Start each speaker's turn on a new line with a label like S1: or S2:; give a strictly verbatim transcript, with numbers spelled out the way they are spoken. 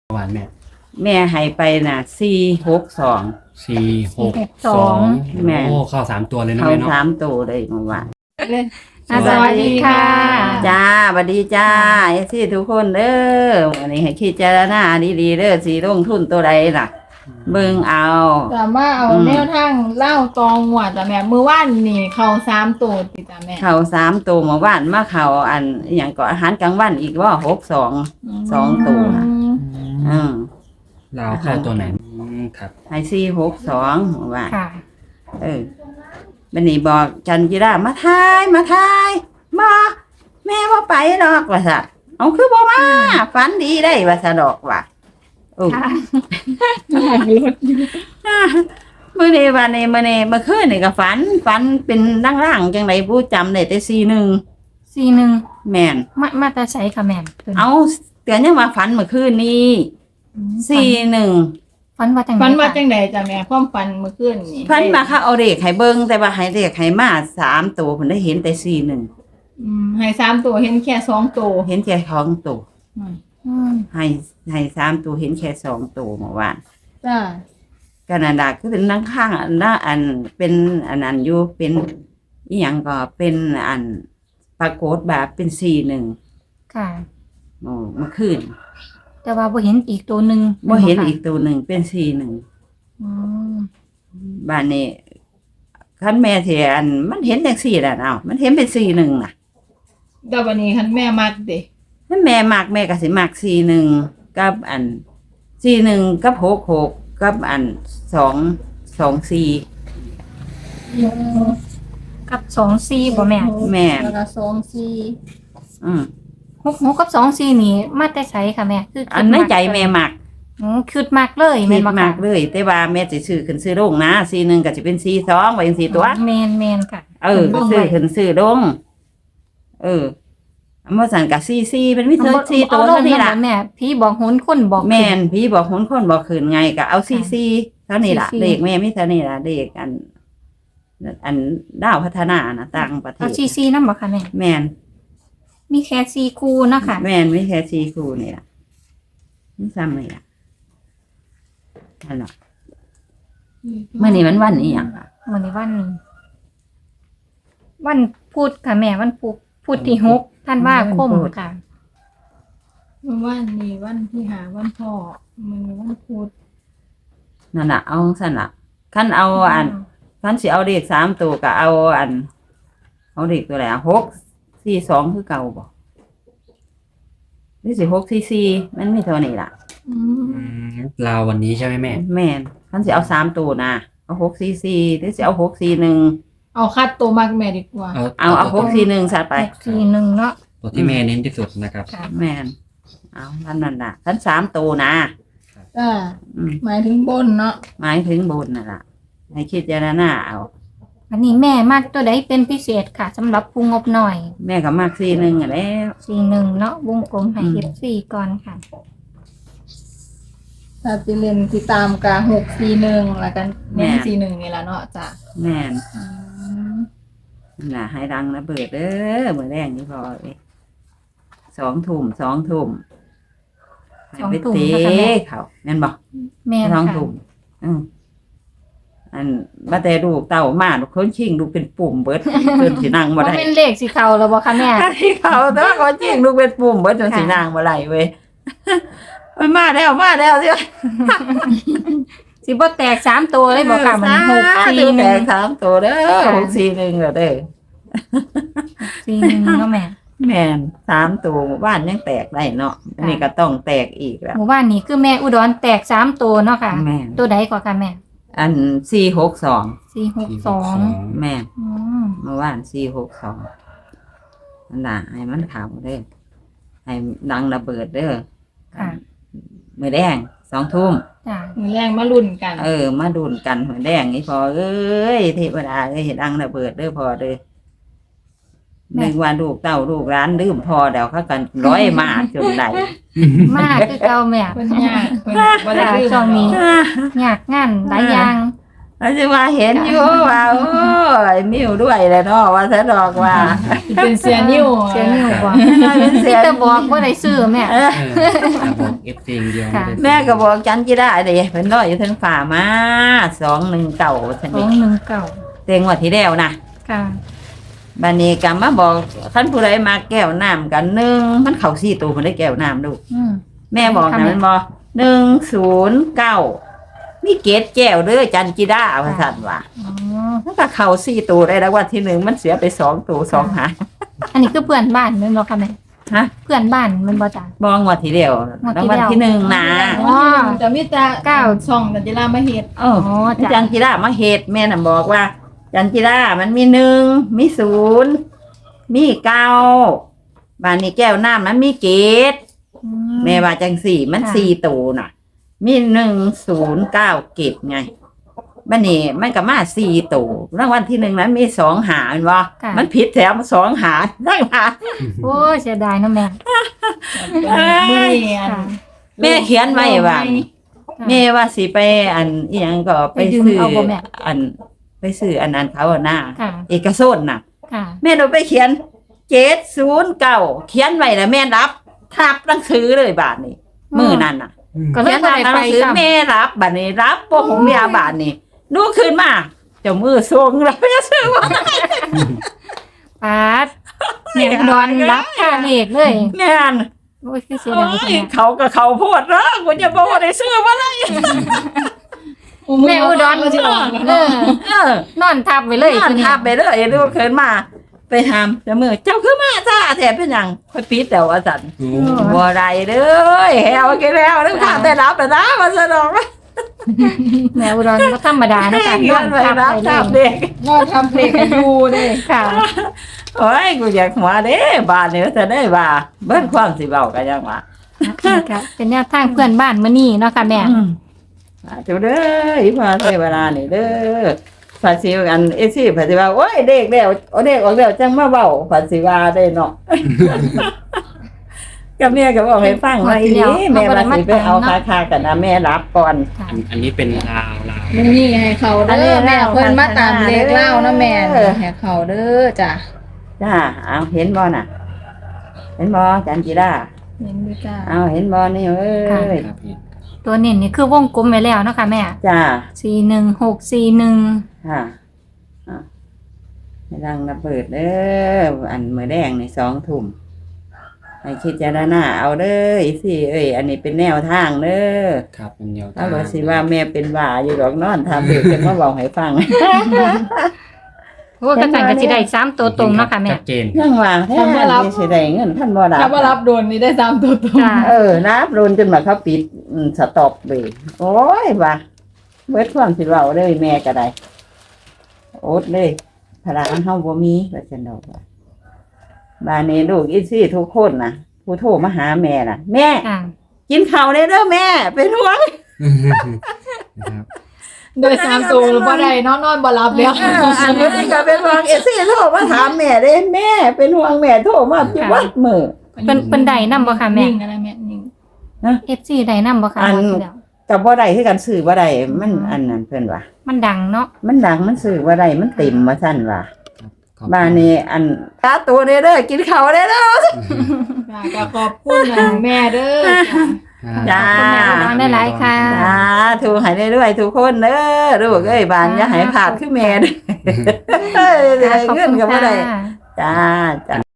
S1: เมื่อวานแม่
S2: แม่ให้ไปน่ะสี่หกสอง
S1: สี่หกสอง
S2: แม่
S1: โอ้เข้าสามตัวเลยนะ
S2: เขา
S1: แม่เนาะ
S2: สามตัวเลยเมื่อวาน
S3: อ่ะสวัสดีค่ะ
S2: จ้าสวัสดีจ้าไอ้ที่ทุกคนเด้อวันนี้ให้คิดเจารณาดีๆเด้อสีลงทุนตัวใดล่ะ เบิ่งเอา
S3: แต่ว่าเอา
S2: อืม
S3: แนวทางเล่าตองหวดแต่แม่มือว่านนี่เขาสามตัวติดจ้ะแม่
S2: เขาสามตัวเมื่อวานมาเขาอันอหย่างก็อาหารกลางวันอีกว่าหกสอง สองตัว
S3: อืม
S2: อืม
S1: เราเข้าตัวไหนอืมครับ
S2: ให้สี่หกสองเมื่อวาน
S3: ค่ะ
S2: เออบันนี้บอกจันจิรามาทายมาทายมาแม่ว่าไปดอกว่าซะเอาคือบ่มาฝันดีได้ว่าซะดอกว่าโอ้
S3: ค่ะ
S2: มื้อนี้วันนี้มื้อนี้เมื่อคืนนี่ก็ฝันฝันเป็นร่างๆจังไดผู้จำได้แต่สี่หนึ่ง
S3: สี่หนึ่ง
S2: แม่น
S3: มามาแต่ใช้ค่ะแม่พิ่น
S2: เอาเตือนยังว่าฝันเมื่อคืนนี้สี่หนึ่ง
S3: ฝันว่าจัง
S4: ฝันว่า
S3: ได
S4: จังไดจ้ะแม่ความฝันเมื่อคืนนี่
S2: ฝันมาเขาเอาเลขให้เบิ่งแต่ว่าให้เลขให้มาสามตัวเพิ่นได้เห็นแต่สี่หนึ่ง
S4: อืมให้สามตัวเห็นแค่สองตัว
S2: เห็นแค่ของตัว
S4: อืม
S3: อืม
S2: ให้ให้สามตัวเห็นแค่สองตัวเมื่อวาน
S4: จ้า
S2: ก็นั่นล่ะคือเป็นนั่งข้างอันละอันเป็นอันนั้นอยู่เป็นอีหยังก็เป็นอันปรากฏแบบเป็นสี่หนึ่ง
S3: ค่ะ
S2: โอ้เมื่อคืน
S3: แต่ว่าบ่เห็นอีกตัวหนึ่ง
S2: บ่เห็นอีกตัวหนึ่งเป็นสี่หนึ่ง
S3: อืม
S2: บ้านนี้คันแม่เถียนมันเห็นจังสี่แหละเอ้ามันเห็นเป็นสี่หนึ่งน่ะ
S4: เดี๋ยววันนี้คันแม่มักเด้
S2: ถ้าแม่มักแม่ก็สิมักสี่หนึ่งกับอันสี่หนึ่งกับหกหกกับอันสองสองสี่
S3: กับสองสี่บ่แม่
S2: แม่
S4: แล้วก็สองสี่
S2: อืม
S3: หกหกกับสองสี่นี่มาแต่ใช้ค่ะแม่คือ
S2: อันในใจแม่มัก
S3: อืมคืดมากเลย
S2: คิ
S3: แม่
S2: ด
S3: นบ่
S2: มา
S3: ค่ะ
S2: กเลยแต่ว่าแม่จะซื้อขึ้นซื้อลงนะสี่หนึ่งก็จะเป็นสี่สองไว้จังสี่ตัว
S3: แม่นแม่นค่ะ
S2: เออก็ซื้อขึ้นซื้อลงเอออันว่าสันกับสี่สี่เป็นวิธีสี่ตัว
S3: เอาล
S2: เท่าง นี้ล่ะ
S3: แม่พี่บอกหุนคนบอก
S2: แม่นพี่บอกคนคนบอกขืนไงก็เอาสี่สี่เท่านี้ล่ะ
S3: สี่สี่
S2: เลขแม่ไม่เท่านี้ล่ะเลขอัน อันดาวพัฒนานะต่างประเท
S3: เอา
S2: ศ
S3: ซีซีนำบ่ค่ะแม่
S2: แม่น
S3: มีแค่ซีคูเนาะค่ะ
S2: แม่นไม่แค่สี่คู่นี่ล่ะนี่ซ้ำนี่ล่ะนั่นล่ะเมื่อนี้มันวันนี้อย่างค่ะ
S3: วันนี้วันวันพุธค่ะแม่วันพุธพุธที่หกท่านว่าคมค่ะ
S4: เมื่อวานนี้วันที่หาวันพ่อมื้อนี้วันพุธ
S2: นั่นล่ะเอาสั่นล่ะขั้นเอาอันขั้นสิเอาเลขสามตัวก็เอาอัน เอาเลขตัวไหนอะหกสี่สองคือเก่าบ่นี่สิหกสี่สี่มันมีเท่านี้ล่ะ
S4: อืม
S1: อืมเราวันนี้ใช่ไหมแม่
S2: แม่นขั้นสิเอาสามตัวนะเอาหกสี่สี่หรือสิเอาหกสี่หนึ่ง
S4: เอาคัดตัวมักแม่ดีกว่า
S1: เอา
S2: เอาเอาหกสี่หนึ่งสัตว์ไป
S3: หกสี่หนึ่งเนาะ
S1: ตัวที่แม่เน้นที่สุดนะครับ
S3: ค่ะ
S2: แม่นเอาท่านนั่นน่ะขั้นสามตัวนะ
S4: จ้า
S2: อืม
S4: หมายถึงบนเนาะ
S2: หมายถึงบนน่ะล่ะให้คิดเจารณาเอา
S3: อันนี้แม่มากตัวใดเป็นพิเศษค่ะสำหรับผู้งบหน่อย
S2: แม่ก็มากสี่หนึ่งอ่ะแล้ว
S3: สี่หนึ่งเนาะวงกลมให้
S2: อืม
S3: เอฟซีก่อนค่ะ
S4: ถ้าสิเล่นสิตามกะหกสี่หนึ่งแล้วกันแม่นสี่หนึ่งนี่ล่ะเนาะจ้ะ
S2: แม่น
S4: อืม
S2: นั่นน่ะให้ดังระเบิดเด้อเมื่อแรงนี่พอเอ้ยสองทุ่มสองทุ่มให้
S3: สอง
S2: ไป
S3: ทุ่ม
S2: เตะ
S3: นะคะแม่
S2: เขาแม่นบอก
S3: แม่
S2: สอง
S3: ค่ะ
S2: ทุ่มอืมอันมาแต่ลูกเต่ามาลูกคนชิงลูกเป็นปุ่มเบิดจนสินั่งบ่
S3: ว่า
S2: ได้
S3: เป็นเลขสีเขาแล้วบ่คะแม่
S2: ที่เขาแต่ว่าเขาจริงลูกเป็นปุ่มเบิดจนสีนางมาไหลเว้ย มันมาแล้วมาแล้วสิ
S3: สิบ่แตกสามตัวเลยบ่ค่ะมันหกสี่ห
S2: แต
S3: นึ่ง
S2: กสามตัวเด้อ
S3: ค่ะ
S2: หกสี่หนึ่งเหรอเด้อ
S3: สี่หนึ่งเนาะแม่
S2: แม่นสามตัวหมู่บ้านยังแตกได้เนาะอันนี่ก็ต้องแตกอีกแล้ว
S3: หมู่บ้านนี้คือแม่อุดรแตกสามตัวเนาะค่ะ
S2: แม่น
S3: ตัวใดกว่าค่ะแม่
S2: อันสี่หกสอง
S3: สี่หกสอง
S2: แม่น
S3: อืม
S2: เมื่อวานสี่หกสองนั่นล่ะให้มันขาวเด้อให้ดังระเบิดเด้อ
S3: ค่ะ
S2: มือแดงสองทุ่ม
S3: จ้ะ
S4: มือแรงมาลุ้นกัน
S2: เออ มาดูนกันหัวแดงนี่พอเอ้ยเทวดาเอ้ยเห็นดังระเบิดเด้อพอเด้อหนึ่งวันลูกเต้าลูกร้านลืมพอเดี๋ยวเขากันร้อยมาจนไหล
S3: มากคือเก่าแม่
S4: เพิ่นยากเพิ่นบ่ได้
S3: ค่ะ
S4: ลืม
S3: ช่วงนี้
S4: หรอก
S3: ยากงานหลายอย่าง
S2: แล้วจะว่าเห็นอยู่ว่าโอ้ยมิวด้วยแหละเนาะว่าซะดอกว่า
S3: เป็นเสียนิ้ว
S4: เสียนิ้วบ่
S2: เป็นเสี
S4: ที่
S2: ย
S4: แต่บอกบ่ได้ซื้อแม่
S2: เออ
S1: เออครับบอกเอฟซีอย่างเดียวไม่ได้
S2: แม่ก็บอกจันจิได้เด้เพิ่นร้อยอยู่เทั้งฝ่ามาสองหนึ่งเก่าซั่น
S4: สอ
S2: นี่
S4: งหนึ่งเก้า
S2: เต็งงวดที่แล้วนะ
S4: ค่ะ
S2: บัดนี้ก็มาบอกคันผู้ใดมาแก้วน้ำกันหนึ่งมันเข้าสี่ตัวเพิ่นได้แก้วน้ำลูก
S4: อืม
S2: แม่บอก
S4: ค่ะ
S2: นะ
S4: แม่
S2: มันบอกหนึ่งศูนย์เก้ามีเกตแก้วเด้อจันจิได้ว่าซั่นว่า
S4: อ๋อ
S2: มันก็เข้าสี่ตัวได้แล้ววันที่หนึ่งมันเสียไปสองตัวสองหาง
S4: อันนี้คือเพื่อนบ้านแม่นบ่ค่ะแม่
S2: ฮะ
S4: เพื่อนบ้านแมันบ่จ้ะ
S2: บองงวดที่แล้ว
S4: งวด
S2: ราง
S4: ที่
S2: วัล
S4: แล้ว
S2: ที่หนึ่งนะ
S4: อ๋อ
S3: จะมีแต่
S4: เก้า
S3: ช่องแต่จิรามาเฮ็ด
S2: เออ
S4: อ๋อ
S2: จั
S4: จ้ะ
S2: นจิรามาเฮ็ดแม่น่ะบอกว่า จันจิรามันมีหนึ่งมีศูนย์มีเก้าบานนี้แก้วน้ำมันมีเกต
S4: อื
S2: แม่ว่าจังสี่มัน
S4: ค่ะ
S2: สี่ตัวน่ะ มีหนึ่งศูนย์เก้าเกตไงบันนี้มันก็มาสี่ตัวรางวัลที่หนึ่งนั้นมีสองหารวะ
S4: ค่ะ
S2: มันผิดแถมสองหารได้หา
S4: โอ้ยเสียดายเนาะแม่
S3: มื้อนี้อัน
S4: ค่ะ
S2: แม่เขียนไว้ว่า
S4: ค่ะ
S2: แม่ว่าสิไปอันอีหยังก็ไป
S4: ไปดึง
S2: ซื้อ
S4: เอาบ่แม่
S2: อันไปซื้ออันนั้นเขาอะหน้า
S4: ค่ะ
S2: เอกชนน่ะ
S4: ค่ะ
S2: แม่หนูไปเขียนเจ็ดศูนย์เก้าเขียนไว้แล้วแม่รับทับหนังสือเลยบาทนี้
S4: อืม
S2: มือนั่นน่ะ
S1: อืม
S4: ก็เลย
S2: เขียน
S4: บ่
S2: ทับ
S4: ได้
S2: หนั
S4: ไป
S2: งสือ
S4: ซ้ำ
S2: แม่รับบาทนี้รับพวกของเมียบาทนี้ดูขึ้นมาเจ้ามือทรงแล้วไม่ซื้อว่า
S4: ปาดแม่อุดรรับค่าเลขเลย
S2: แม่น
S4: โอ้ยคือเสีย
S2: โอ้
S4: ดาย
S2: ย
S4: แม่
S2: เขากับเขาโพดเนาะกูจะบอกว่าได้ซื้อว่าอะไร
S4: แม่อุดร
S3: ก็สิออก
S4: เออ
S2: เออน
S4: อนทับไว้เลย
S2: นั่นทับไปเลยดูขึ้นมา ไปทำเจ้ามือเจ้าคือมาจ้าแถบเป็นหยังค่อยปิดแต่ว่าสัน
S1: โอ้
S2: บ่ได้เด้อแฮวกินแล้วนึกข้าได้รับแล้วนะมาสนอง
S4: แม่อุดรก็ธรรมดานะ
S2: แม่
S4: คะน
S2: เงิ
S4: อน
S2: นไป
S4: ทับ
S2: รับ
S4: ไว้เล
S2: ทั
S4: ย
S2: บเด็ก
S3: งอทำเพลงให้ดูเด้
S4: ค่ะ
S2: โอ้ยกูอยากหัวเด้บ้านนี้จะได้ว่าเบิ้นความสิเบากันยังวะ
S4: ค่ะเป็นแนวทางเพื่อนบ้านมื้อนี้เนาะค่ะแม่
S2: อืมอ่าเจ้าเด้ออีพาเทวดานี่เด้อภาษีอันเอซี่ภาษีว่าโอ้ยเด็กแล้วโอ้เด็กออกแล้วจังมาเว้าภาษีว่าได้เนาะ กับแม่ก็บอกให้ฟังว่าอีนี้แม่ว่าสิไปเอาคาคากันนะแม่รับก่อน
S4: ค่ะ
S1: อันอันนี้เป็นลาวลาว
S3: มื้อนี้ให้เขาเด้อแม่เพิ่นมาตามเลขเล่านะแม่ให้เขาเด้อจ้ะ
S2: จ้าเอาเห็นบ่น่ะ เห็นบ่จันจิรา
S3: เห็นดูจ้า
S2: เอาเห็นบ่นี่เอ้ย
S1: ครับพี่
S4: ตัวเน้นนี่คือวงกลมไว้แล้วเนาะค่ะแม่
S2: จ้า
S4: สี่หนึ่งหกสี่หนึ่ง
S2: ค่ะอ่ะให้ดังระเบิดเด้ออันมือแดงในสองทุ่มให้คิดจารณาเอาเด้ออีสิเอ้ย อันนี้เป็นแนวทางเด้อ
S1: ครับเป็นแนว
S2: ถ้าบอกสิว่าแม่เป็นว่าอยู่ดอกนอนทำเด็กจะมาบอกให้ฟัง
S4: โอ้กระสันกระสิได้สามตัวตรงเนาะค่ะแม่
S1: ชัดเจน
S2: ยังว่าแท้ที่สิได้เงินท่านบ่รับ
S3: ถ้าว่ารับโดนนี่ได้สามตัวตรง
S4: ค่ะ
S2: เออรับรุนจนมาเขาปิดอืมสต็อปเลยโอ้ยว่าเบิดความสิเว้าเลยแม่ก็ได้โอดเลยพลังเฮาบ่มีว่าซั่นดอกว่าบ้านนี้ลูกอีซี่ทุกคนน่ะ ผู้โทรมาหาแม่น่ะ แม่
S4: ค่ะ
S2: กินข้าวได้เด้อแม่เป็นห่วง
S1: นะครับ
S3: ได้สามตัวบ่ได้นอนนอนบ่หลับแล้ว
S2: เอออันนี้ก็เป็นห่วงเอซี่โทรมาถามแม่เด้แม่เป็นห่วงแม่โทรมาทุกวันมื้อ
S4: เป็นเป็นใดนำบ่ค่ะแม่
S3: นิ่งอะไรแม่นิ่ง
S4: เอฟซีใดนำบ่ค่ะ
S2: อัน
S4: งวดที่แล้ว
S2: กับบ่ได้คือกันซื้อบ่ได้มัน
S4: อืม
S2: อันนั้นเพิ่นว่า
S4: มันดังเนาะ
S2: มันดังมันซื้อบ่ได้มันเต็มว่าซั่นว่า
S1: ขอบคุณ
S2: บ้านนี้อันตาตัวเด้อเด้อกินข้าวได้เด้อ
S3: จ้ะก็ขอบคุณนะแม่เด้อจ้ะ
S2: จ้า
S4: ขอบคุณแม่อุดรได้หลายค่ะ
S2: จ้าถูกให้ได้ด้วยทุกคนเด้อลูกเอ้ยบ้านอย่าให้ขาดคือแม่เด้อเอ้ยเงินก็บ่ได้
S4: ค่ะ
S2: จ้าจ้า